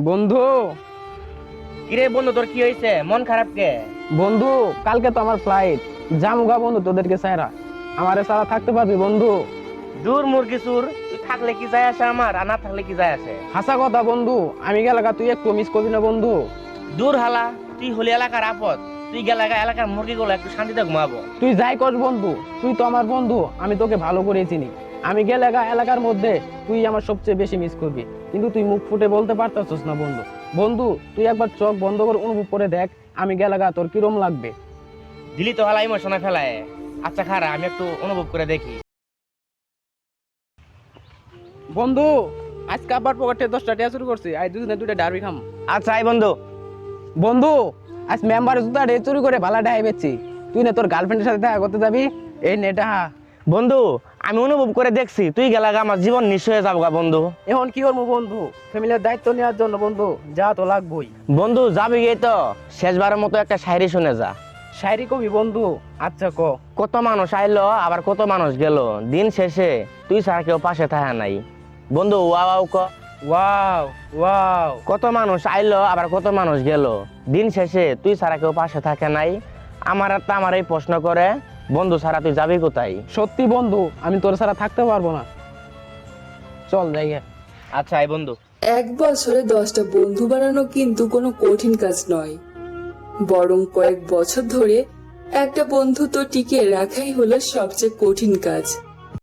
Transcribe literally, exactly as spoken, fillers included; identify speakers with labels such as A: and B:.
A: বন্ধু
B: কিরে বন্ধু, তোর কি হয়েছে? মন খারাপ কে?
A: বন্ধু কালকে তো আমার ফ্লাইট, জামুগা বন্ধু তোদেরকে সাইরা। আমারে সারা থাকতে পারবি বন্ধু?
B: দূর মুরগি সুর, তুই থাকলে কি যায় আসে আমার, আর না থাকলে কি যায় আসে?
A: হাসা কথা বন্ধু, আমি গেলাগা তুই একটু মিস করবি না বন্ধু?
B: দূর হালা, তুই হলি এলাকার আপদ, তুই গেলাগা এলাকার মুরগিগুলো একটু শান্তিতে ঘুমাবো।
A: তুই যাই কর বন্ধু, তুই তো আমার বন্ধু, আমি তোকে ভালো করে চিনি। আমি গেলাগা এলাকার মধ্যে তুই আমার সবচেয়ে বেশি মিস করবি, কিন্তু তুই মুখ ফুটে বলতে পারতাছিস না বন্ধু। বন্ধু তুই একবার চোখ বন্ধ করে অনুভব করে দেখ, আমি গেলাগা তোর কিরম লাগবে।
B: দিলি তো হালা ইমোশনে ফেলায়। আচ্ছা খারা, আমি একটু অনুভব করে দেখি।
A: বন্ধু আজকে আবার পকেটে দশটা টাকা শুরু করছি, আজ দুদিনে দুইটা ডারবি খাম।
B: আচ্ছা আই বন্ধু।
A: বন্ধু আজ মেম্বারের জুতা রে চুরি করে ভালা ডাই বেচছি, তুই না তোর গার্লফ্রেন্ডের সাথে দেখা করতে যাবি। এই নেটা
B: বন্ধু আমি অনুভব করে দেখছি, তুই গেলাগা আমার জীবন নিঃস্ব হয়ে যাবো গা বন্ধু।
A: এখন কি করবো বন্ধু, ফ্যামিলির দায়িত্ব নেওয়ার জন্য বন্ধু যা তো লাগবই।
B: বন্ধু যাবি গিয়ে তো শেষবারের মতো একটা শায়রি শুনে যা।
A: শায়রি কবি বন্ধু? আচ্ছা ক।
B: কত মানুষ আইলো আবার কত মানুষ গেল, দিন শেষে তুই ছাড়া কেউ পাশে থাকা নাই। বন্ধু ওয়াও ক।
A: Wow wow.
B: কত মানুষ আইলো আবার কত মানুষ গেল, দিন শেষে তুই ছাড়া কেউ পাশে থাকে নাই। আমার একটা আমার এই প্রশ্ন করে, বন্ধু ছাড়া তুই যাবি কোথায়?
A: সত্যি বন্ধু আমি তোর ছাড়া থাকতে পারবো না, চল যাই গে।
B: আচ্ছা এই বন্ধু।
C: এক বছরে দশটা বন্ধু বানানো কিন্তু কোনো কঠিন কাজ নয়, বরং কয়েক বছর ধরে একটা বন্ধুত্ব টিকিয়ে রাখাই হলো সবচেয়ে কঠিন কাজ।